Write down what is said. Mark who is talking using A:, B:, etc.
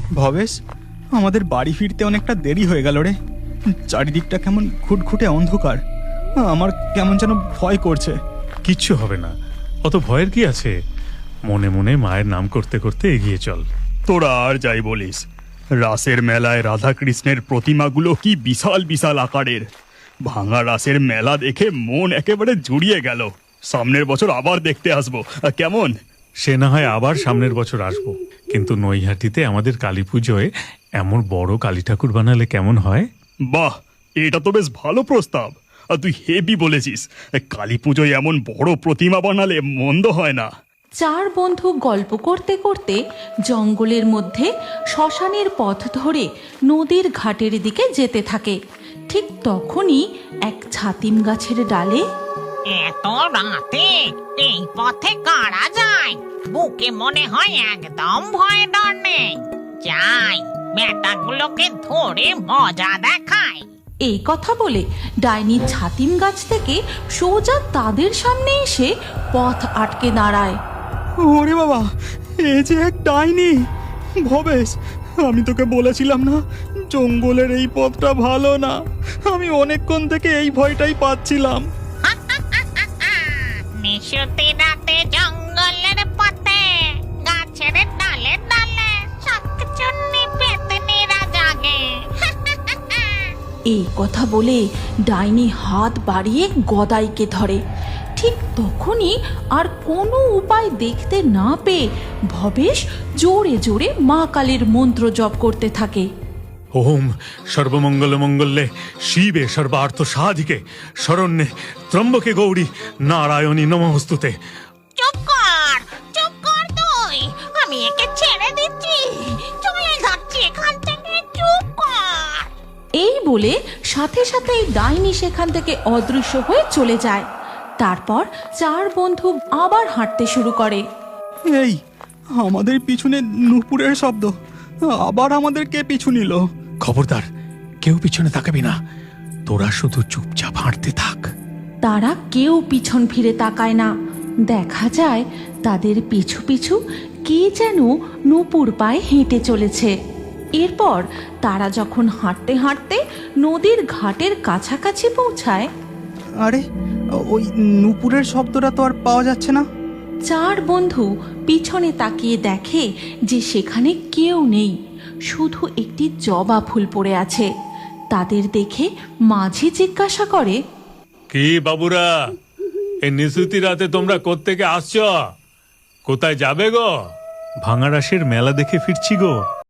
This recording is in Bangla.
A: ভবেশ, আমাদের বাড়ি ফিরতে অনেকটা দেরি হয়ে গেল রে। চারিদিকটা কেমন ঘুটঘুটে অন্ধকার। আমার কেমন যেন ভয় করছে।
B: কিচ্ছু হবে না, অত ভয়ের কি আছে? মনে মনে মায়ের নাম করতে করতে এগিয়ে চল।
A: তোরা আর যাই বলিস, রাসের মেলায় রাধাকৃষ্ণের প্রতিমাগুলো কি বিশাল বিশাল আকারের। ভাঙা রাসের মেলা দেখে মন একেবারে জুড়িয়ে গেল। সামনের বছর আবার দেখতে আসবো, কেমন?
B: সে না হয় আবার সামনের বছর আসবো, কিন্তু নৈহাটিতে আমাদের কালী পুজোয় এমন বড় কালী ঠাকুর বানালে কেমন হয়?
A: বাহ, এটা তো বেশ ভালো প্রস্তাব। আর তুই হেভি বলেছিস। কালী পুজোয় এমন বড় প্রতিমা বানালে মন্দ হয় না।
C: চার বন্ধু গল্প করতে করতে জঙ্গলের মধ্যে শ্মশানের পথ ধরে নদীর ঘাটের দিকে যেতে থাকে। ঠিক তখনই এক ছাতিম গাছের ডালে
D: এত রাতে এই পথে কারা যায়? বুকে মনে হয় একদম ভয় ডর নেই। যাই, বেটাগুলোকে ধরে মজা দেখায়।
C: এই কথা বলে ডাইনি ছাতিম গাছ থেকে সোজা তাদের সামনে এসে পথ আটকে দাঁড়ায়।
A: ওরে বাবা, এ যে এক ডাইনি! ভবেশ, আমি তোকে বলেছিলাম না জঙ্গলের এই পথটা ভালো না। আমি অনেকক্ষণ থেকে এই ভয়টাই পাচ্ছিলাম।
D: নিশুতি রাতে জঙ্গলের পথে গাছের ডালে ডালে শাকচুন্নি পেতনিরা জাগে।
C: এই কথা বলে ডাইনি হাত বাড়িয়ে গদাইকে ধরে। ঠিক তখনই আর কোনো উপায় দেখতে না পেয়ে ভবেশ জোরে জোরে মা কালীর মন্ত্র জপ করতে থাকে।
B: ওম সর্বমঙ্গল মঙ্গলে শিবে সর্বার্থ সাধিকে শরণ্যে ত্রম্বকে গৌরী নারায়ণী নমস্তুতে।
D: চুপ কর তুই, আমি একে ছেড়ে দিচ্ছি। চলে যাচ্ছি এখান থেকে, চুপ কর।
C: এই বলে সাথে সাথেই ডাইনি সেখান থেকে অদৃশ্য হয়ে চলে যায়। তারপর চার বন্ধু আবার হাঁটতে শুরু করে।
A: এই, আমাদের পিছনে নূপুরের শব্দ। আবার আমাদের কে পিছু নিল?
B: খবরদার, কেউ পিছনে তাকাবি না, তোরা শুধু চুপচাপ হাঁটতে থাক।
C: তারা কেউ পিছন ফিরে তাকায় না। দেখা যায় তাদের পিছু পিছু কে যেন নূপুর পায়ে হেঁটে চলেছে। এরপর তারা যখন হাঁটতে হাঁটতে নদীর ঘাটের কাছাকাছি পৌঁছায়,
A: আরে, ওই নূপুরের শব্দটা তো আর পাওয়া যাচ্ছে না।
C: চার বন্ধু পিছনে তাকিয়ে দেখে যে সেখানে কেউ নেই, শুধু একটি জবা ফুল পড়ে আছে। তাদের দেখে মাঝি জিজ্ঞাসা করে,
B: কি বাবুরা, এই নিশুতি রাতে তোমরা কোত্থেকে আসছো? কোথায় যাবে গো? ভাঙা রাসের মেলা দেখে ফিরছি গো।